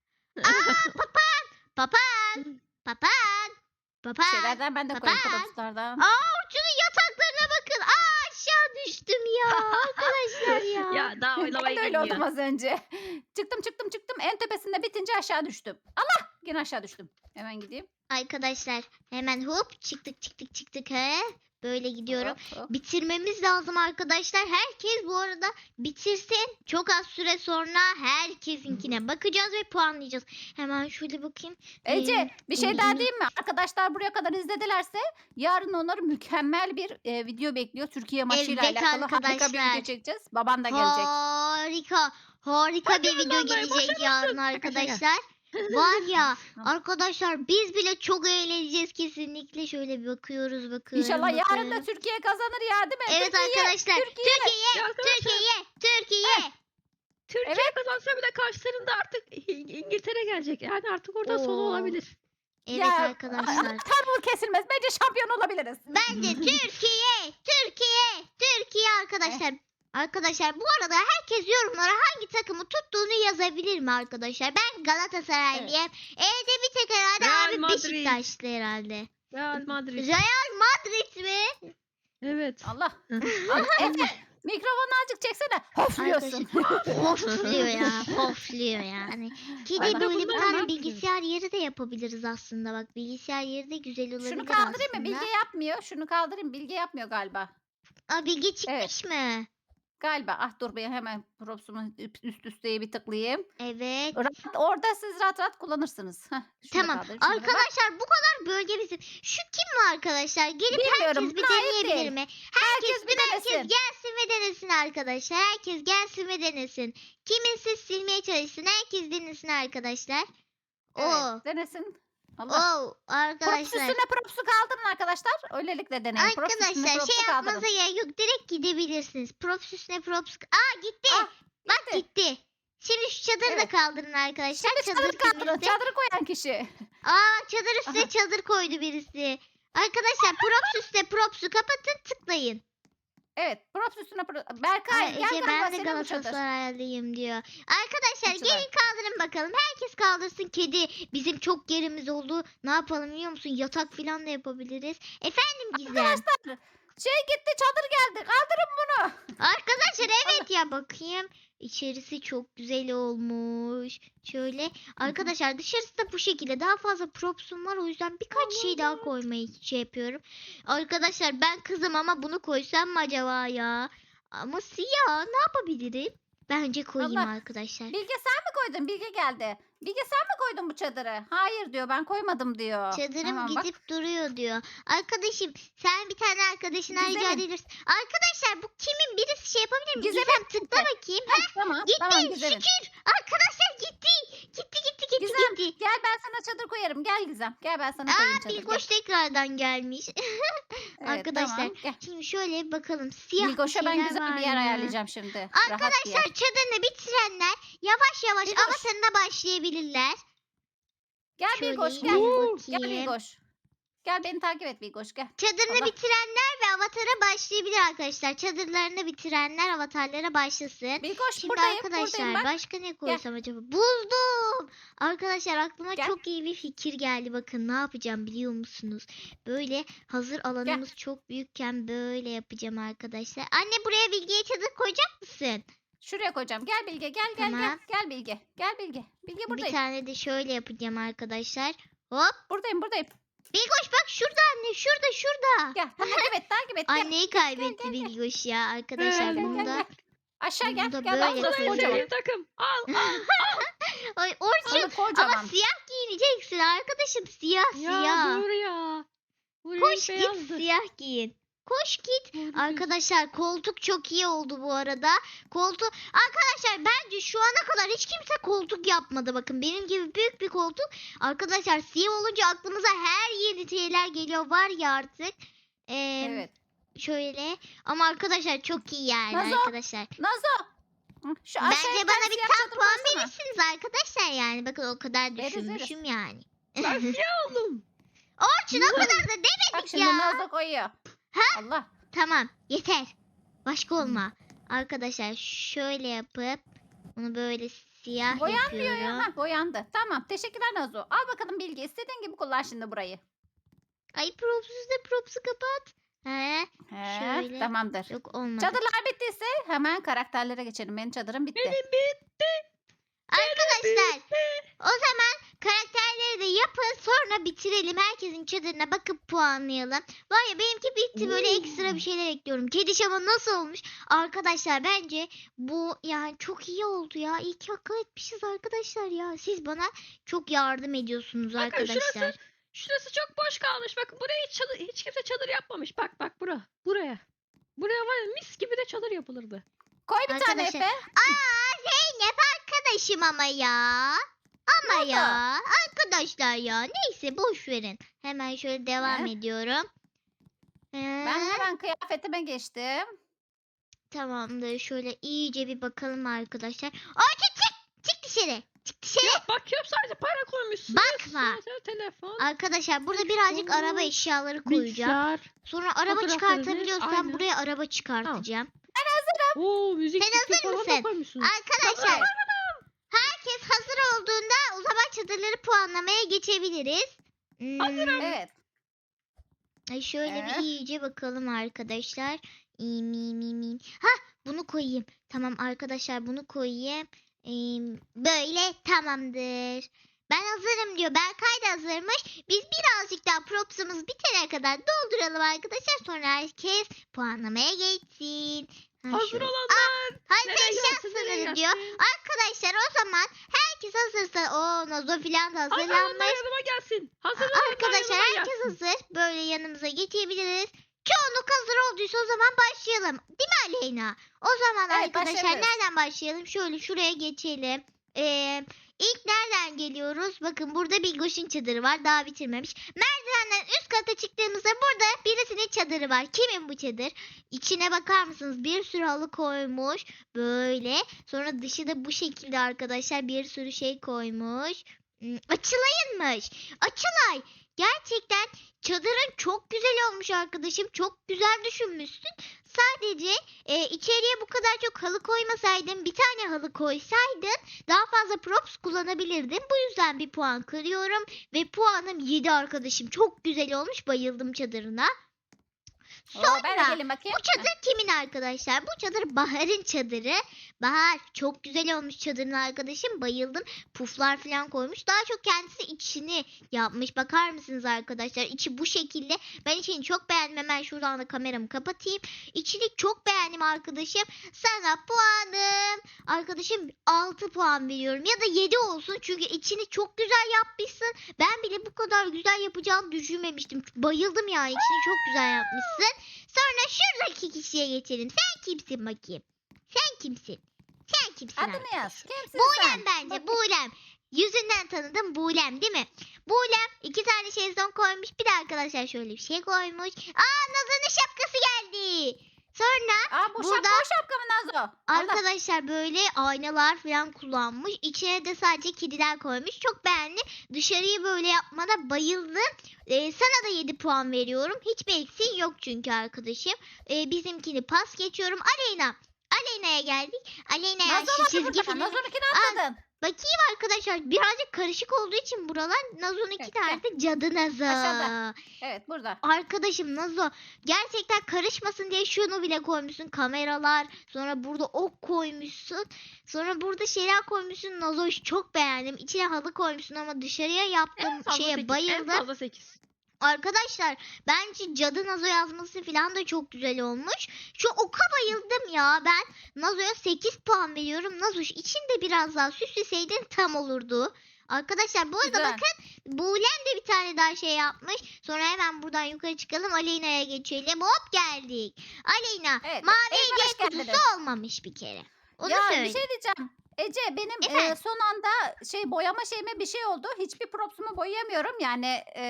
Speaker 1: Papağan.
Speaker 2: Şeylerden ben de koyayım
Speaker 1: Papağan.
Speaker 2: produslardan.
Speaker 1: Orçun'un yataklarına bakın. Aşağı düştüm ya. Arkadaşlar ya.
Speaker 3: Ya daha oynamayı
Speaker 2: Ben de öyle oldum
Speaker 3: bilmiyor.
Speaker 2: az önce. Çıktım. En tepesinde bitince aşağı düştüm. Allah! Yine aşağı düştüm. Hemen gideyim.
Speaker 1: Arkadaşlar hemen hop çıktık he. Böyle gidiyorum.
Speaker 2: Hop.
Speaker 1: Bitirmemiz lazım arkadaşlar. Herkes bu arada bitirsin. Çok az süre sonra herkesinkine bakacağız ve puanlayacağız. Hemen şöyle bakayım.
Speaker 2: Ece bir şey
Speaker 1: iyi,
Speaker 2: daha
Speaker 1: iyi.
Speaker 2: diyeyim mi? Arkadaşlar buraya kadar izledilerse yarın onları mükemmel bir video bekliyor. Türkiye maçıyla
Speaker 1: Evet
Speaker 2: alakalı harika bir
Speaker 1: arkadaşlar.
Speaker 2: video çekeceğiz. Baban da gelecek.
Speaker 1: Harika bir video
Speaker 3: vallahi
Speaker 1: gelecek yarın arkadaşlar. Var ya arkadaşlar biz bile çok eğleneceğiz kesinlikle. Şöyle bir bakıyoruz bakın.
Speaker 2: İnşallah yarın
Speaker 1: bakın.
Speaker 2: da Türkiye kazanır ya değil mi?
Speaker 1: Evet
Speaker 2: Türkiye,
Speaker 1: arkadaşlar.
Speaker 2: Türkiye.
Speaker 3: Ya arkadaşlar,
Speaker 1: Türkiye.
Speaker 3: Türkiye kazansa bile karşılarında artık İngiltere gelecek. Yani artık orada sonu
Speaker 1: Oo.
Speaker 3: olabilir.
Speaker 1: Evet
Speaker 2: Ya,
Speaker 1: arkadaşlar.
Speaker 2: Anahtar kesilmez. Bence şampiyon olabiliriz.
Speaker 1: Bence Türkiye arkadaşlar. Arkadaşlar bu arada herkes yorumlara hangi takımı tuttuğunu yazabilir mi arkadaşlar? Ben Galatasaraylıyım. Evde bir tek herhalde
Speaker 3: Real
Speaker 1: abi
Speaker 3: Madrid.
Speaker 1: Beşiktaşlı herhalde.
Speaker 3: Real Madrid.
Speaker 1: Real Madrid mi?
Speaker 3: Evet.
Speaker 2: Allah. Allah. Efe mikrofonu azıcık çeksene. Hofluyorsun.
Speaker 1: Hofluyor ya. Hofluyor yani. Kedi
Speaker 2: Ay,
Speaker 1: böyle bir
Speaker 3: bunlar ne
Speaker 1: tane
Speaker 3: yapıyor?
Speaker 1: bilgisayar yeri de yapabiliriz aslında. Bak bilgisayar yeri de güzel olabilir
Speaker 2: Şunu kaldırayım mı?
Speaker 1: aslında.
Speaker 2: Bilge yapmıyor. Şunu kaldırayım. Bilge yapmıyor galiba.
Speaker 1: Aa, Bilge çıkmış mı?
Speaker 2: Galiba. Ah dur ben hemen propsumu üst üsteye bir tıklayayım.
Speaker 1: Evet.
Speaker 2: Orada siz rahat kullanırsınız. Heh, şunu
Speaker 1: Tamam.
Speaker 2: kaldırayım, şunu da bak.
Speaker 1: Arkadaşlar bu kadar bölge bizim. Şu kim mi arkadaşlar? Gelip
Speaker 2: Bilmiyorum,
Speaker 1: herkes bir
Speaker 2: bana ait
Speaker 1: deneyebilir
Speaker 2: değil.
Speaker 1: mi?
Speaker 2: Herkes bir
Speaker 1: Herkes
Speaker 2: denesin.
Speaker 1: gelsin ve denesin arkadaşlar. Herkes gelsin ve denesin. Kiminsiz silmeye çalışsın. Herkes denesin arkadaşlar. Oo.
Speaker 2: Evet, denesin. Allah.
Speaker 1: Oo
Speaker 2: Props
Speaker 1: arkadaşlar.
Speaker 2: üstüne propsu kaldırın arkadaşlar. Öylelikle deneyin. Props üstüne
Speaker 1: Arkadaşlar
Speaker 2: propsu
Speaker 1: şey
Speaker 2: kaldırın.
Speaker 1: yapmanıza gerek yok. Direkt gidebilirsiniz. Props üstüne props. Aa gitti.
Speaker 2: Ah,
Speaker 1: Bak gitti. Şimdi şu çadırı da
Speaker 2: Evet.
Speaker 1: kaldırın arkadaşlar.
Speaker 2: Şimdi çadırı kaldırın.
Speaker 1: temizle.
Speaker 2: Çadırı koyan kişi.
Speaker 1: Aa çadır üstüne
Speaker 2: Aha.
Speaker 1: çadır koydu birisi. Arkadaşlar props üstüne propsu kapatın tıklayın.
Speaker 2: Evet. Props üstüne Berkay
Speaker 1: Ay,
Speaker 2: gel
Speaker 1: Ece,
Speaker 2: galiba
Speaker 1: ben de
Speaker 2: senin bu çadır.
Speaker 1: Galatasaraylıyım diyor. Arkadaşlar
Speaker 2: Bu çadır.
Speaker 1: gelin kaldırın bakalım. Herkes kaldırsın. Kedi bizim çok yerimiz oldu. Ne yapalım biliyor musun? Yatak falan da yapabiliriz. Efendim Gizem.
Speaker 2: Arkadaşlar şey gitti çadır geldi. Kaldırın bunu.
Speaker 1: Arkadaşlar evet ya bakayım. İçerisi çok güzel olmuş. Şöyle arkadaşlar dışarısı da bu şekilde. Daha fazla propsum var o yüzden birkaç şey daha koymayı şey yapıyorum. Arkadaşlar ben kızım ama bunu koysam mı acaba ya? Ama siyah ne yapabilirim? Bence koyayım
Speaker 2: Allah.
Speaker 1: arkadaşlar.
Speaker 2: Bilge sen mi koydun? Bilge geldi. Bilge sen mi koydun bu çadırı? Hayır diyor, ben koymadım diyor.
Speaker 1: Çadırım
Speaker 2: Tamam, bak.
Speaker 1: gidip duruyor diyor. Arkadaşım sen bir tane arkadaşına rica
Speaker 2: Gizem'in.
Speaker 1: edebilirsin. Arkadaşlar bu kimin, birisi şey yapabilir mi?
Speaker 2: Gizem'in.
Speaker 1: Gizem tıkla bakayım.
Speaker 2: Heh, tamam,
Speaker 1: Gitti
Speaker 2: tamam Gizem'in.
Speaker 1: şükür. Arkadaşlar gitti. Gitti
Speaker 2: Gizem,
Speaker 1: gitti.
Speaker 2: gel ben sana çadır koyarım. Gel Gizem. Gel ben sana koyayım çadır.
Speaker 1: Bilgoş tekrardan gelmiş.
Speaker 2: Evet,
Speaker 1: arkadaşlar,
Speaker 2: tamam, gel.
Speaker 1: Şimdi şöyle bir bakalım. Siyah
Speaker 2: Bilgoş'a
Speaker 1: bir
Speaker 2: ben
Speaker 1: şeyler
Speaker 2: güzel
Speaker 1: var
Speaker 2: bir yer
Speaker 1: mı?
Speaker 2: ayarlayacağım şimdi. Rahat bir yer.
Speaker 1: Arkadaşlar çadırını bitirenler yavaş yavaş
Speaker 2: Bilgoş.
Speaker 1: avatarına başlayabilirler.
Speaker 2: Gel
Speaker 1: Şöyle
Speaker 2: Bilgoş
Speaker 1: yine
Speaker 2: gel.
Speaker 1: bir
Speaker 2: Gel
Speaker 1: bakayım.
Speaker 2: Bilgoş. Gel beni takip et Bilgoş gel.
Speaker 1: Çadırını
Speaker 2: Allah.
Speaker 1: bitirenler ve avatara başlayabilir arkadaşlar. Çadırlarını bitirenler avatarlara başlasın.
Speaker 2: Bilgoş
Speaker 1: Şimdi
Speaker 2: buradayım.
Speaker 1: arkadaşlar
Speaker 2: Buradayım bak.
Speaker 1: başka ne koysam acaba? Buldum. Arkadaşlar aklıma
Speaker 2: Gel.
Speaker 1: çok iyi bir fikir geldi. Bakın ne yapacağım biliyor musunuz? Böyle hazır alanımız çok büyükken böyle yapacağım arkadaşlar. Anne buraya Bilge'ye çadır koyacak mısın?
Speaker 2: Şuraya koyacağım. Gel Bilge gel gel
Speaker 1: Tamam.
Speaker 2: gel. Gel Bilge. Gel Bilge. Bilge
Speaker 1: Bir
Speaker 2: buradayım.
Speaker 1: tane de şöyle yapacağım arkadaşlar. Hop.
Speaker 2: Buradayım.
Speaker 1: Bilgoş bak şurada anne, şurada.
Speaker 2: Gel. Takip et. Gel.
Speaker 1: Anneyi kaybetti
Speaker 2: gel.
Speaker 1: Bilgoş ya arkadaşlar.
Speaker 3: Gel,
Speaker 1: Bunu da
Speaker 2: Aşağı gel.
Speaker 1: Bunu da
Speaker 2: Gel
Speaker 1: böyle
Speaker 2: bak burası
Speaker 3: Sana en
Speaker 1: koyacağım.
Speaker 2: kocaman.
Speaker 3: sevdiğim takım. Al.
Speaker 1: Ay Orçun
Speaker 2: Ama kocaman.
Speaker 1: ama siyah giyineceksin arkadaşım, siyah
Speaker 3: Ya
Speaker 1: siyah.
Speaker 3: dur ya. Bu
Speaker 1: Koş
Speaker 3: renk
Speaker 1: git
Speaker 3: beyazdı.
Speaker 1: siyah giyin. Koş git.
Speaker 3: Doğru
Speaker 1: Arkadaşlar koltuk çok iyi oldu bu arada. Arkadaşlar bence şu ana kadar hiç kimse koltuk yapmadı. Bakın benim gibi büyük bir koltuk. Arkadaşlar siyah olunca aklımıza her yeni şeyler geliyor. Var ya artık.
Speaker 2: Evet.
Speaker 1: Şöyle. Ama arkadaşlar çok iyi yani
Speaker 2: Nazo,
Speaker 1: arkadaşlar.
Speaker 2: Nazo. Hı, Şu aşağıya
Speaker 1: Bence
Speaker 2: bir
Speaker 1: bana
Speaker 2: tane
Speaker 1: bir
Speaker 2: siyah
Speaker 1: tam
Speaker 2: çadır
Speaker 1: puan
Speaker 2: koysana.
Speaker 1: verirsiniz arkadaşlar yani. Bakın o kadar
Speaker 2: Veririz,
Speaker 1: düşünmüşüm yani.
Speaker 3: Ben siyah oldum.
Speaker 1: Orçun o kadar da
Speaker 2: Bak
Speaker 1: demedik
Speaker 2: şimdi
Speaker 1: ya.
Speaker 2: Nazo koyuyor. Allah.
Speaker 1: Tamam yeter. Başka olma. Arkadaşlar şöyle yapıp bunu böyle siyah
Speaker 2: Boyanmıyor ya.
Speaker 1: yapıyorum.
Speaker 2: Ha, boyandı. Tamam. Teşekkürler Nazo. Al bakalım Bilge. İstediğin gibi kullan şimdi burayı.
Speaker 1: Ay propsuz da propsu kapat. He,
Speaker 2: He,
Speaker 1: Şöyle.
Speaker 2: tamamdır.
Speaker 1: yok olmadı.
Speaker 2: Çadırlar bittiyse hemen karakterlere geçelim. Benim çadırım bitti.
Speaker 3: Benim bitti.
Speaker 1: Arkadaşlar o zaman karakterleri de yapın sonra bitirelim. Herkesin çadırına bakıp puanlayalım. Var ya benimki bitti, böyle ekstra bir şeyler ekliyorum. Kedi şama nasıl olmuş? Arkadaşlar bence bu yani çok iyi oldu ya. İyi ki akıl etmişiz arkadaşlar ya. Siz bana çok yardım ediyorsunuz
Speaker 3: Bakın
Speaker 1: arkadaşlar.
Speaker 3: Şurası çok boş kalmış. Bakın buraya hiç kimse çadır yapmamış. Bak buraya. Buraya var ya mis gibi de çadır yapılırdı.
Speaker 2: Koy bir tane
Speaker 1: Arkadaşlar-
Speaker 2: Efe.
Speaker 1: Zeynep arkadaşım ama ya. Ama
Speaker 2: oldu?
Speaker 1: ya. Arkadaşlar ya. Neyse boş verin. Hemen şöyle devam ediyorum.
Speaker 2: Ben hemen kıyafetime geçtim.
Speaker 1: Tamamdır. Şöyle iyice bir bakalım arkadaşlar. Orçun çık. Çık dışarı. Çık dışarı.
Speaker 3: Ya bakıyorum sadece para koymuşsun.
Speaker 1: Bakma.
Speaker 3: Sonra telefon.
Speaker 1: Arkadaşlar burada birazcık
Speaker 3: Telefon,
Speaker 1: araba eşyaları koyacağım.
Speaker 3: Bilgisayar.
Speaker 1: Sonra araba
Speaker 3: fotoğraf
Speaker 1: çıkartabiliyorsam
Speaker 3: aynen.
Speaker 1: buraya araba çıkartacağım.
Speaker 3: Oo müzik
Speaker 1: Sen
Speaker 3: sistemi
Speaker 1: hazır
Speaker 3: falan da
Speaker 1: mısın?
Speaker 3: koymuşsun.
Speaker 1: Arkadaşlar
Speaker 2: Evet.
Speaker 1: herkes hazır olduğunda o zaman çadırları puanlamaya geçebiliriz.
Speaker 3: Hazırım.
Speaker 2: Evet.
Speaker 1: Ay şöyle
Speaker 2: Evet.
Speaker 1: bir iyice bakalım arkadaşlar. Ha bunu koyayım. Tamam arkadaşlar bunu koyayım. Böyle tamamdır. Ben hazırım diyor. Berkay da hazırmış. Biz birazcık daha propsumuz bitene kadar dolduralım arkadaşlar. Sonra herkes puanlamaya geçsin. Ha,
Speaker 3: Hazır
Speaker 1: şöyle.
Speaker 3: olanlar.
Speaker 1: Hazır
Speaker 3: Nereye
Speaker 1: eşya
Speaker 3: gelsin, nereye
Speaker 1: sınırı diyor.
Speaker 3: gelsin?
Speaker 1: Arkadaşlar o zaman herkes hazırsa o Nazo filan da
Speaker 3: Hazır olanlar
Speaker 1: hazırlanmış.
Speaker 3: yanıma gelsin. Hazır olanlar
Speaker 1: Arkadaşlar
Speaker 3: yanıma
Speaker 1: herkes
Speaker 3: gelsin.
Speaker 1: hazır. Böyle yanımıza geçebiliriz. Çoğunluk hazır olduysa o zaman başlayalım. Değil mi Aleyna? O zaman
Speaker 2: Evet,
Speaker 1: arkadaşlar
Speaker 2: başlayabiliriz.
Speaker 1: nereden başlayalım? Şöyle şuraya geçelim. İlk nereden geliyoruz? Bakın burada Bilgoş'un çadırı var. Daha bitirmemiş. Merdivenden üst kata çıktığımızda burada birisinin çadırı var. Kimin bu çadır? İçine bakar mısınız? Bir sürü halı koymuş. Böyle. Sonra dışı da bu şekilde arkadaşlar bir sürü şey koymuş. Açılayınmış. Açılay. Gerçekten çadırın çok güzel olmuş arkadaşım. Çok güzel düşünmüşsün. Sadece içeriye bu kadar çok halı koymasaydın, bir tane halı koysaydın daha fazla props kullanabilirdin. Bu yüzden bir puan kırıyorum ve puanım 7 arkadaşım. Çok güzel olmuş. Bayıldım çadırına.
Speaker 2: Oo, ben de
Speaker 1: Sonra
Speaker 2: gelin bakayım.
Speaker 1: bu çadır kimin arkadaşlar? Bu çadır Bahar'ın çadırı. Bahar çok güzel olmuş çadırın arkadaşım. Bayıldım. Puflar falan koymuş. Daha çok kendisi içini yapmış. Bakar mısınız arkadaşlar? İçi bu şekilde. Ben içini çok beğendim. Hemen şuradan da kameramı kapatayım. İçini çok beğendim arkadaşım. Sana puanım. Arkadaşım 6 puan veriyorum. Ya da 7 olsun. Çünkü içini çok güzel yapmışsın. Ben bile bu kadar güzel yapacağını düşünmemiştim. Bayıldım yani. İçini çok güzel yapmışsın. Sonra şuradaki kişiye geçelim. Sen kimsin bakayım? Sen kimsin? Sen kimsin
Speaker 2: Adını
Speaker 1: arkadaşım?
Speaker 2: yaz. Kimsin
Speaker 1: Buğlem
Speaker 2: sen?
Speaker 1: bence. Buğlem. Yüzünden tanıdım Buğlem değil mi? Buğlem 2 tane şezlong koymuş. Bir de arkadaşlar şöyle bir şey koymuş. Aa, Nazan'ın şapkası geldi. Sonra
Speaker 2: Aa, bu
Speaker 1: burada-
Speaker 2: şapka mı Nazo? Allah.
Speaker 1: arkadaşlar böyle aynalar falan kullanmış. İçine de sadece kediler koymuş. Çok beğendim. Dışarıyı böyle yapmana bayıldım. Sana da 7 puan veriyorum. Hiçbir eksiğin yok çünkü arkadaşım. Bizimkini pas geçiyorum. Aleyna. Aleyna'ya geldik. Aleyna'ya
Speaker 2: Nazo
Speaker 1: şu
Speaker 2: var
Speaker 1: çizgi
Speaker 2: burada.
Speaker 1: film.
Speaker 2: Nazo'nunkini atladın.
Speaker 1: Bakayım arkadaşlar birazcık karışık olduğu için buralar Nazo'nun iki
Speaker 2: Evet,
Speaker 1: nerede? Cadı Nazo.
Speaker 2: Aşağıda. Evet, burada.
Speaker 1: Arkadaşım Nazo gerçekten karışmasın diye şunu bile koymuşsun, kameralar, sonra burada ok koymuşsun, sonra burada şeyler koymuşsun. Nazo çok beğendim. İçine halı koymuşsun ama dışarıya
Speaker 3: En
Speaker 1: yaptığım
Speaker 3: fazla
Speaker 1: şeye
Speaker 3: 8. En
Speaker 1: bayıldım.
Speaker 3: fazla 8.
Speaker 1: Arkadaşlar bence Cadı Nazo yazması falan da çok güzel olmuş. Şu oka bayıldım ya. Ben Nazo'ya 8 puan veriyorum. Nazo içinde biraz daha süsleseydin tam olurdu. Arkadaşlar bu arada
Speaker 2: Güzel.
Speaker 1: bakın Buğlem de bir tane daha şey yapmış. Sonra hemen buradan yukarı çıkalım. Aleyna'ya geçelim. Hop geldik. Aleyna
Speaker 2: Evet,
Speaker 1: mavi
Speaker 2: Eyvah,
Speaker 1: hediye
Speaker 2: hoş geldiniz.
Speaker 1: kutusu olmamış bir kere. Onu
Speaker 2: Ya
Speaker 1: söyle.
Speaker 2: bir şey diyeceğim. Ece benim
Speaker 1: Efendim?
Speaker 2: son anda boyama şeyime bir şey oldu. Hiçbir propsumu boyayamıyorum. Yani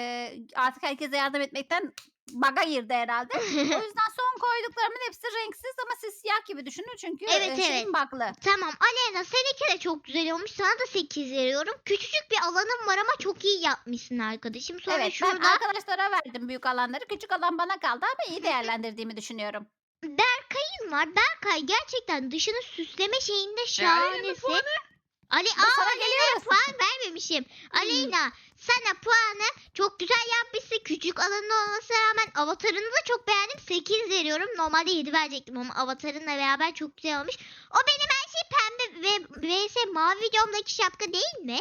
Speaker 2: artık herkese yardım etmekten baga girdi herhalde. O yüzden son koyduklarımın hepsi renksiz ama siz siyah gibi düşünün çünkü
Speaker 1: Evet,
Speaker 2: şeyim bug'lı.
Speaker 1: Tamam Aleyna seninki de çok güzel olmuş. Sana da 8 veriyorum. Küçücük bir alanım var ama çok iyi yapmışsın arkadaşım. Sonra
Speaker 2: Evet, ben
Speaker 1: şurada
Speaker 2: arkadaşlara verdim büyük alanları. Küçük alan bana kaldı ama iyi değerlendirdiğimi düşünüyorum.
Speaker 1: Berkay'ın var. Berkay gerçekten dışını süsleme şeyinde
Speaker 3: Aleyna
Speaker 1: şahanesi.
Speaker 3: puanı.
Speaker 1: Ali
Speaker 2: Dur, sana
Speaker 1: Aleyna'ya
Speaker 2: geliyoruz.
Speaker 1: puan vermemişim. Aleyna sana puanı çok güzel yapmışsın. Küçük alanı olmasına rağmen avatarını da çok beğendim. 8 veriyorum. Normalde 7 verecektim ama avatarınla beraber çok güzel olmuş. O benim her şey pembe ve vs mavi videomdaki şapka değil mi?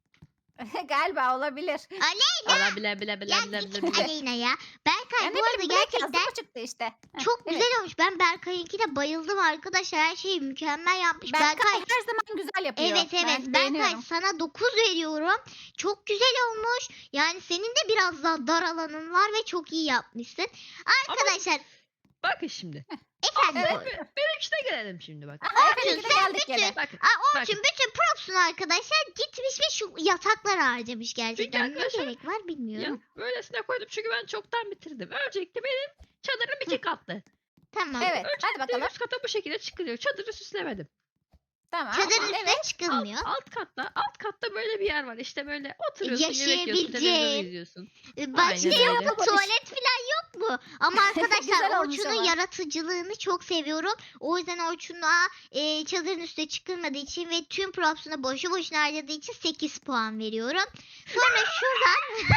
Speaker 2: Galiba olabilir.
Speaker 3: Valla bile bile bile
Speaker 1: Ya
Speaker 3: bile
Speaker 1: git
Speaker 3: bile bile.
Speaker 1: Aleyna ya. Berkay
Speaker 2: Yani
Speaker 1: bu arada gerçekten
Speaker 2: bu çıktı işte. Heh,
Speaker 1: çok
Speaker 2: evet.
Speaker 1: güzel olmuş. Ben Berkay'ınkine bayıldım arkadaşlar. Her şeyi mükemmel yapmış.
Speaker 2: Berkay her zaman güzel yapıyor.
Speaker 1: Evet
Speaker 2: Ben
Speaker 1: Berkay
Speaker 2: beğeniyorum.
Speaker 1: sana 9 veriyorum. Çok güzel olmuş. Yani senin de biraz daha dar alanın var ve çok iyi yapmışsın. Arkadaşlar
Speaker 3: Bakın şimdi.
Speaker 1: efendim
Speaker 2: Evet.
Speaker 1: Orçun.
Speaker 3: Benimkine gelelim şimdi bak.
Speaker 2: Aha,
Speaker 1: Orçun,
Speaker 2: Efe'ninki de
Speaker 1: sen
Speaker 2: geldik
Speaker 1: bütün-
Speaker 2: gene.
Speaker 3: Bakın.
Speaker 1: Orçun bütün propsunu arkadaşlar gitmiş ve şu yataklar harcamış gerçekten. Ne
Speaker 3: arkadaşlar-
Speaker 1: gerek var
Speaker 3: Ya
Speaker 1: bilmiyorum.
Speaker 3: böylesine koydum çünkü ben çoktan bitirdim. Öncelikle benim çadırım 2 katlı.
Speaker 1: Tamam.
Speaker 2: Evet, hadi
Speaker 3: Öncelikle
Speaker 2: bakalım.
Speaker 3: üst kata bu şekilde çıkılıyor. Çadırı süslemedim.
Speaker 2: Tamam.
Speaker 1: Çadırın üstüne
Speaker 2: Evet.
Speaker 1: çıkılmıyor.
Speaker 3: Alt katta böyle bir yer var. İşte böyle oturuyorsun, yemek yiyorsun,
Speaker 1: Yaşayabileceğin.
Speaker 3: televizyon izliyorsun.
Speaker 1: Başka
Speaker 3: Aynen
Speaker 1: yok
Speaker 3: öyle.
Speaker 1: mu? Tuvalet falan yok mu? Ama arkadaşlar
Speaker 2: Güzel olmuş
Speaker 1: Orçun'un
Speaker 2: ama.
Speaker 1: yaratıcılığını çok seviyorum. O yüzden Orçun'a çadırın üstüne çıkılmadığı için ve tüm props'unu boşu boşuna harcadığı için 8 puan veriyorum. Sonra şuradan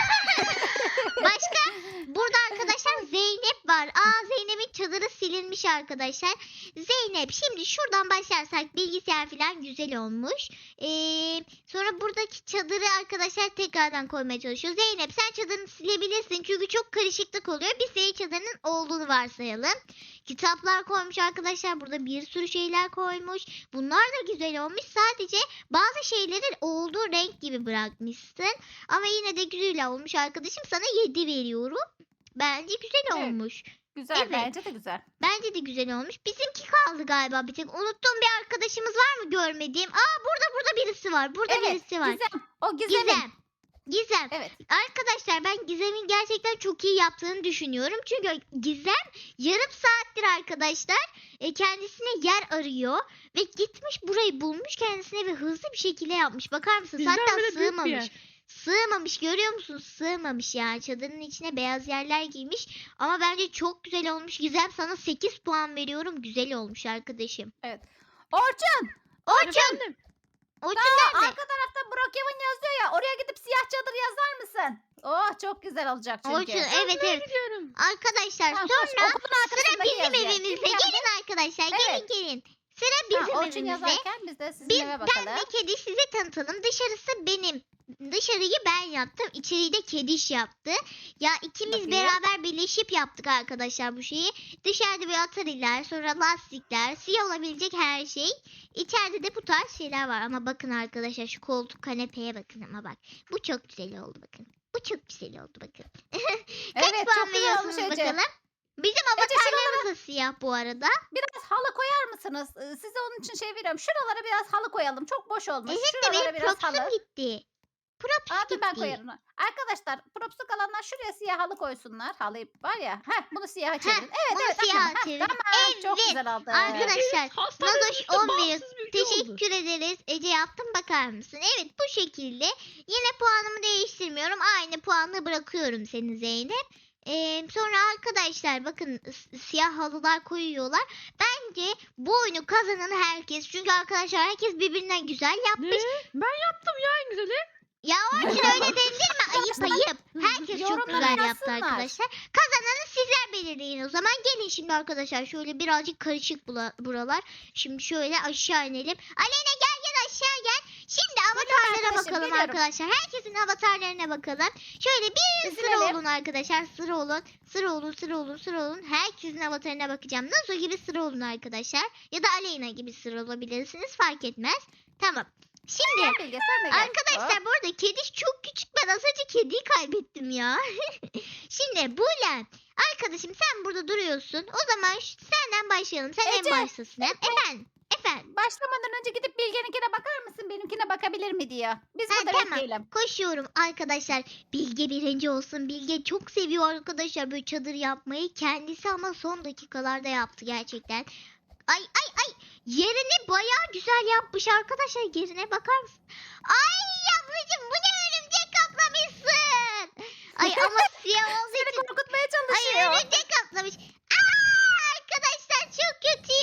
Speaker 1: başka burada arkadaşlar Zeynep var. Zeynep'in çadırı silinmiş arkadaşlar. Zeynep şimdi şuradan başlarsak bilgisayar falan güzel olmuş. Sonra buradaki çadırı arkadaşlar tekrardan koymaya çalışıyor. Zeynep sen çadırını silebilirsin çünkü çok karışıklık oluyor. Biz senin çadırının olduğunu varsayalım. Kitaplar koymuş arkadaşlar. Burada bir sürü şeyler koymuş. Bunlar da güzel olmuş. Sadece bazı şeylerin olduğu renk gibi bırakmışsın. Ama yine de güzel olmuş arkadaşım. Sana 7 veriyorum. Bence güzel
Speaker 2: Evet.
Speaker 1: olmuş.
Speaker 2: Güzel,
Speaker 1: Evet.
Speaker 2: bence de güzel.
Speaker 1: Bence de güzel olmuş. Bizimki kaldı galiba bir tek. Unuttuğum bir arkadaşımız var mı görmediğim? Burada birisi var. Burada
Speaker 2: Evet,
Speaker 1: birisi var.
Speaker 2: Gizem. O Gizem'in.
Speaker 1: Gizem.
Speaker 2: Evet.
Speaker 1: Arkadaşlar ben Gizem'in gerçekten çok iyi yaptığını düşünüyorum. Çünkü Gizem yarım saattir arkadaşlar kendisine yer arıyor. Ve gitmiş burayı bulmuş kendisine ve hızlı bir şekilde yapmış. Bakar mısınız?
Speaker 3: Bizden
Speaker 1: Hatta
Speaker 3: bile büyük bir
Speaker 1: sığmamış.
Speaker 3: yer.
Speaker 1: Sığmamış görüyor musunuz? Sığmamış ya. Çadırın içine beyaz yerler giymiş. Ama bence çok güzel olmuş. Gizem sana 8 puan veriyorum. Güzel olmuş arkadaşım.
Speaker 2: Orçun.
Speaker 1: Orçun
Speaker 3: Efendim?
Speaker 1: Orçun
Speaker 2: Aa,
Speaker 1: nerede?
Speaker 2: arka tarafta Brookhaven yazıyor ya. Oraya gidip siyah çadır yazar mısın? Oh çok güzel olacak çünkü.
Speaker 1: Orçun evet evet.
Speaker 3: Gidiyorum.
Speaker 1: Arkadaşlar
Speaker 2: Tamam, koş,
Speaker 1: sonra
Speaker 2: okulun
Speaker 1: sıra
Speaker 2: arkasındaki
Speaker 1: bizim
Speaker 2: yazıyor.
Speaker 1: evimizde.
Speaker 2: Kim geldi?
Speaker 1: Gelin arkadaşlar
Speaker 2: Evet.
Speaker 1: gelin. Sıra
Speaker 2: Ha,
Speaker 1: bizim
Speaker 2: Orçun
Speaker 1: evimizde.
Speaker 2: yazarken biz de sizin
Speaker 1: Biz,
Speaker 2: eve
Speaker 1: ben
Speaker 2: bakalım.
Speaker 1: ve kedi size tanıtalım. Dışarısı benim. Dışarıyı ben yaptım. İçeriği de kediş yaptı. Ya ikimiz
Speaker 2: Bakayım.
Speaker 1: beraber birleşip yaptık arkadaşlar bu şeyi. Dışarıda bir atariler, sonra lastikler, siyah olabilecek her şey. İçeride de bu tarz şeyler var. Ama bakın arkadaşlar şu koltuk kanepeye bakın ama bak. Bu çok güzel oldu bakın. Bu çok güzel oldu bakın. Kaç
Speaker 2: Evet
Speaker 1: puan
Speaker 2: çok güzel olmuş
Speaker 1: veriyorsunuz
Speaker 2: Ece.
Speaker 1: bakalım? Bizim
Speaker 2: Ece,
Speaker 1: avatarlarımız da siyah bu arada.
Speaker 2: Biraz halı koyar mısınız? Size onun için şey veriyorum. Şuralara biraz halı koyalım. Çok boş olmuş.
Speaker 1: Evet de
Speaker 2: Şuralara
Speaker 1: benim
Speaker 2: biraz
Speaker 1: propsum
Speaker 2: halı.
Speaker 1: gitti. Props
Speaker 2: Aa, dur ben
Speaker 1: gitti.
Speaker 2: koyarım. Arkadaşlar propsu kalanlar şuraya siyah halı koysunlar. Halı var ya. Heh, bunu siyaha çevirin. Evet
Speaker 1: bunu
Speaker 2: evet.
Speaker 1: siyaha
Speaker 2: hakikaten. Heh,
Speaker 1: çevirin.
Speaker 2: Tamam çok
Speaker 1: Evet,
Speaker 2: güzel oldu.
Speaker 1: arkadaşlar,
Speaker 3: Hastanın
Speaker 1: Nazoş
Speaker 3: üstü
Speaker 1: 11.
Speaker 3: bağımsız bir ülke oldu.
Speaker 1: Teşekkür ederiz. Ece yaptın bakar mısın? Evet bu şekilde. Yine puanımı değiştirmiyorum. Aynı puanla bırakıyorum seni Zeynep. Sonra arkadaşlar bakın siyah halılar koyuyorlar. Bence bu oyunu kazanan herkes. Çünkü arkadaşlar herkes birbirinden güzel
Speaker 3: Ne?
Speaker 1: yapmış.
Speaker 3: Ben yaptım ya en güzeli.
Speaker 1: Ya Orçun öyle dendirme. Ayıp ayıp. Herkes çok
Speaker 2: Yorumlara
Speaker 1: güzel yaptı
Speaker 2: yazsınlar.
Speaker 1: arkadaşlar. Kazananı sizler belirleyin o zaman. Gelin şimdi arkadaşlar. Şöyle birazcık karışık buralar. Şimdi şöyle aşağı inelim. Aleyna gel aşağı gel. Şimdi avatarlara
Speaker 2: arkadaşım,
Speaker 1: bakalım
Speaker 2: geliyorum.
Speaker 1: arkadaşlar. Herkesin avatarlarına bakalım. Şöyle bir sıra
Speaker 2: Dizilelim.
Speaker 1: olun arkadaşlar. Sıra olun. Sıra olun. Herkesin avatarına bakacağım. Nazo gibi sıra olun arkadaşlar. Ya da Aleyna gibi sıra olabilirsiniz. Fark etmez. Tamam. Şimdi
Speaker 2: Gel Bilge sen de gel.
Speaker 1: arkadaşlar bu arada kediş çok küçük. Ben az önce kediyi kaybettim ya. Şimdi Buğlen. Arkadaşım sen burada duruyorsun. O zaman senden başlayalım. Sen en
Speaker 2: Ece,
Speaker 1: baştasın. Efendim.
Speaker 2: Başlamadan önce gidip Bilge'ninkine bakar mısın? Benimkine bakabilir mi diyor. Biz
Speaker 1: Ha,
Speaker 2: burada
Speaker 1: tamam.
Speaker 2: bekleyelim.
Speaker 1: Koşuyorum arkadaşlar. Bilge birinci olsun. Bilge çok seviyor arkadaşlar böyle çadır yapmayı. Kendisi ama son dakikalarda yaptı gerçekten. Ay. Yerini bayağı güzel yapmış arkadaşlar. Yerine bakar mısın? Ay ablacığım bu ne örümcek kaplamışsın. Ay ama siyah olduğu
Speaker 2: Seni
Speaker 1: için.
Speaker 2: korkutmaya
Speaker 1: Ay
Speaker 2: çalışıyor.
Speaker 1: örümcek kaplamış. Aa, arkadaşlar çok kötü.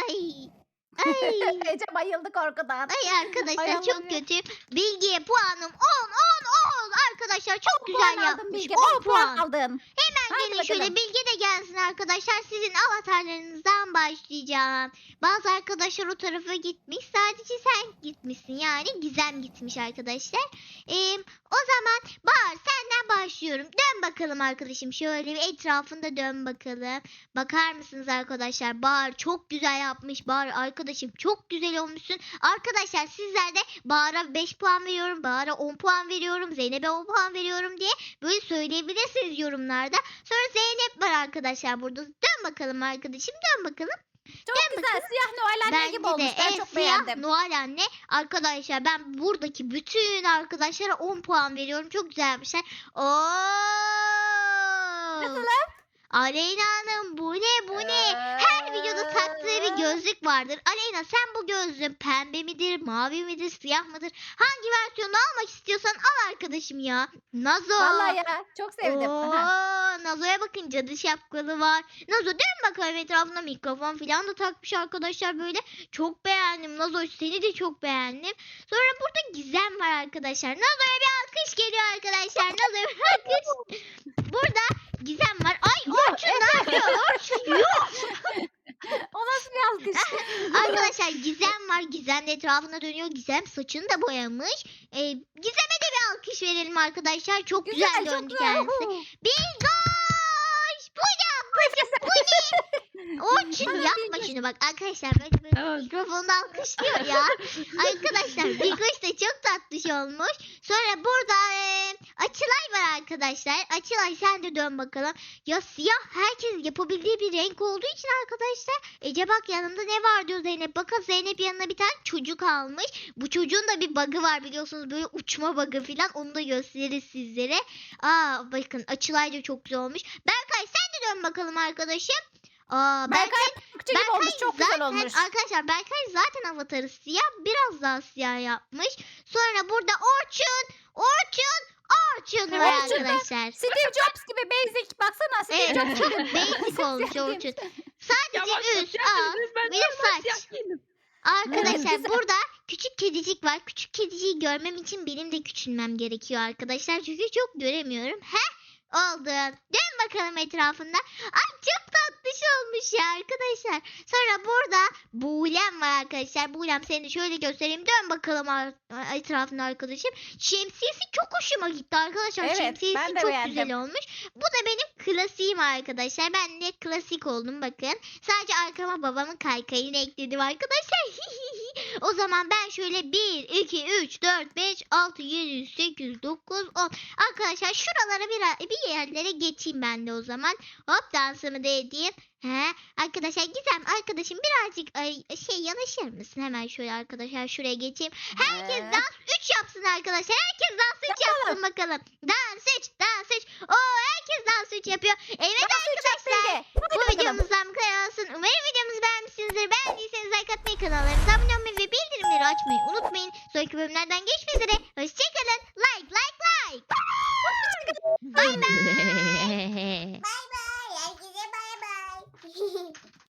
Speaker 1: Ay.
Speaker 2: Ece bayıldı korkudan.
Speaker 1: Ay arkadaşlar
Speaker 2: Ay
Speaker 1: çok
Speaker 2: Allah'ım.
Speaker 1: kötü. Bilgiye puanım 10. Arkadaşlar çok güzel
Speaker 2: Puan aldın
Speaker 1: yapmış.
Speaker 2: Bilge.
Speaker 1: 10
Speaker 2: 10 puan
Speaker 1: puan.
Speaker 2: aldın.
Speaker 1: Hemen
Speaker 2: Hadi
Speaker 1: gelin şöyle
Speaker 2: bakalım.
Speaker 1: Bilge de gelsin arkadaşlar. Sizin avatarlarınızdan başlayacağım. Bazı arkadaşlar o tarafa gitmiş. Sadece sen gitmişsin. Yani Gizem gitmiş arkadaşlar. O zaman Bahar senden başlıyorum. Dön bakalım arkadaşım. Şöyle bir etrafında dön bakalım. Bakar mısınız arkadaşlar? Bahar çok güzel yapmış. Bahar arkadaşım çok güzel olmuşsun. Arkadaşlar sizler de Bahar'a 5 puan veriyorum. Bahar'a 10 puan veriyorum. Zeynep'e 10 puan veriyorum diye böyle söyleyebilirsiniz yorumlarda. Sonra Zeynep var arkadaşlar burada. Dön bakalım arkadaşım. Dön bakalım.
Speaker 2: Çok güzel. Siyah Noel anne
Speaker 1: Bence
Speaker 2: gibi olmuş.
Speaker 1: de
Speaker 2: Ben
Speaker 1: en
Speaker 2: çok
Speaker 1: siyah
Speaker 2: beğendim.
Speaker 1: Noel anne. Arkadaşlar ben buradaki bütün arkadaşlara 10 puan veriyorum. Çok güzel yapmışlar.
Speaker 2: Nasıl?
Speaker 1: Aleyna Hanım bu ne? Her videoda taktığı bir gözlük vardır. Aleyna sen bu gözlüğün pembe midir, mavi midir, siyah mıdır? Hangi versiyonu almak istiyorsan al arkadaşım ya. Nazo.
Speaker 2: Vallahi ya çok sevdim. Aha.
Speaker 1: Nazo'ya bakın cadı şapkalı var. Nazo dön bakalım etrafına mikrofon falan da takmış arkadaşlar böyle. Çok beğendim Nazo seni de çok beğendim. Sonra burada Gizem var arkadaşlar. Nazo'ya bir alkış geliyor arkadaşlar. Nazo'ya bir alkış. Burada Gizem var. Ay Orçun ne yapıyor? Orçun yok.
Speaker 2: O nasıl bir alkış?
Speaker 1: Arkadaşlar Gizem var. Gizem de etrafına dönüyor. Gizem saçını da boyamış. Gizem'e de bir alkış verelim arkadaşlar. Çok güzel,
Speaker 2: çok
Speaker 1: döndü
Speaker 2: güzel.
Speaker 1: kendisi. Bilgoş! Bu ne? Orçun
Speaker 2: Bana
Speaker 1: yapma
Speaker 2: Bilgoş.
Speaker 1: şunu bak. Arkadaşlar böyle
Speaker 3: Evet.
Speaker 1: mikrofonda alkışlıyor ya. Arkadaşlar Bilgoş da çok tatlış olmuş. Sonra burada Açılay var arkadaşlar. Açılay sen de dön bakalım. Ya siyah herkes yapabildiği bir renk olduğu için arkadaşlar. Ece bak yanında ne var diyor Zeynep. Bakın Zeynep yanına bir tane çocuk almış. Bu çocuğun da bir bug'ı var biliyorsunuz. Böyle uçma bug'ı falan. Onu da gösteririz sizlere. Bakın Açılay da çok güzel olmuş. Berkay sen de dön bakalım arkadaşım.
Speaker 2: Berkay Gökçe gibi olmuş. Çok güzel
Speaker 1: zaten,
Speaker 2: olmuş.
Speaker 1: Arkadaşlar Berkay zaten avatarı siyah. Biraz daha siyah yapmış. Sonra burada Orçun var
Speaker 2: Orçun da
Speaker 1: arkadaşlar.
Speaker 2: Steve Jobs gibi basic. Baksana Steve
Speaker 1: Evet
Speaker 2: Jobs
Speaker 1: çok
Speaker 2: gibi.
Speaker 1: basic olmuş Orçun.
Speaker 3: Ya
Speaker 1: Sadece
Speaker 3: bak
Speaker 1: üst,
Speaker 3: siyah
Speaker 1: alt,
Speaker 3: dediniz, ben
Speaker 1: bir de
Speaker 3: normal
Speaker 1: saç.
Speaker 3: siyah giydim.
Speaker 1: Arkadaşlar
Speaker 2: güzel.
Speaker 1: burada küçük kedicik var. Küçük kediciyi görmem için benim de küçülmem gerekiyor arkadaşlar. Çünkü çok göremiyorum. Oldu. Dön bakalım etrafında. Ay çok tatlış olmuş ya arkadaşlar. Sonra burada Buğlem var arkadaşlar. Buğlem seni de şöyle göstereyim. Dön bakalım etrafında arkadaşım. Şemsiyesi çok hoşuma gitti arkadaşlar.
Speaker 2: Evet,
Speaker 1: Şemsiyesi
Speaker 2: ben de
Speaker 1: çok
Speaker 2: beğendim.
Speaker 1: güzel olmuş. Bu da benim klasiğim arkadaşlar. Ben de klasik oldum bakın. Sadece arkama babamın kaykayını ekledim arkadaşlar. O zaman ben şöyle 1, 2, 3, 4, 5, 6, 7, 8, 9, 10. Arkadaşlar şuralara bir yerlere geçeyim ben de o zaman. Hop dansımı da edeyim. Arkadaşlar Gizem arkadaşım birazcık yanaşır mısın? Hemen şöyle arkadaşlar şuraya geçeyim. Herkes dans 3 yapsın arkadaşlar. Herkes dans 3 yapsın bakalım. Dans 3, dans 3. Oo herkes dans 3 yapıyor. Evet arkadaşlar. Bu videomuzdan bu kadar olsun. Umarım videomuzu beğenmişsinizdir. Beğendiyseniz like atmayı, kanallarımıza abone olmayı ve bildirimleri açmayı unutmayın. Sonraki bölümlerden görüşmek üzere. Hoşçakalın. Like. Bay bay.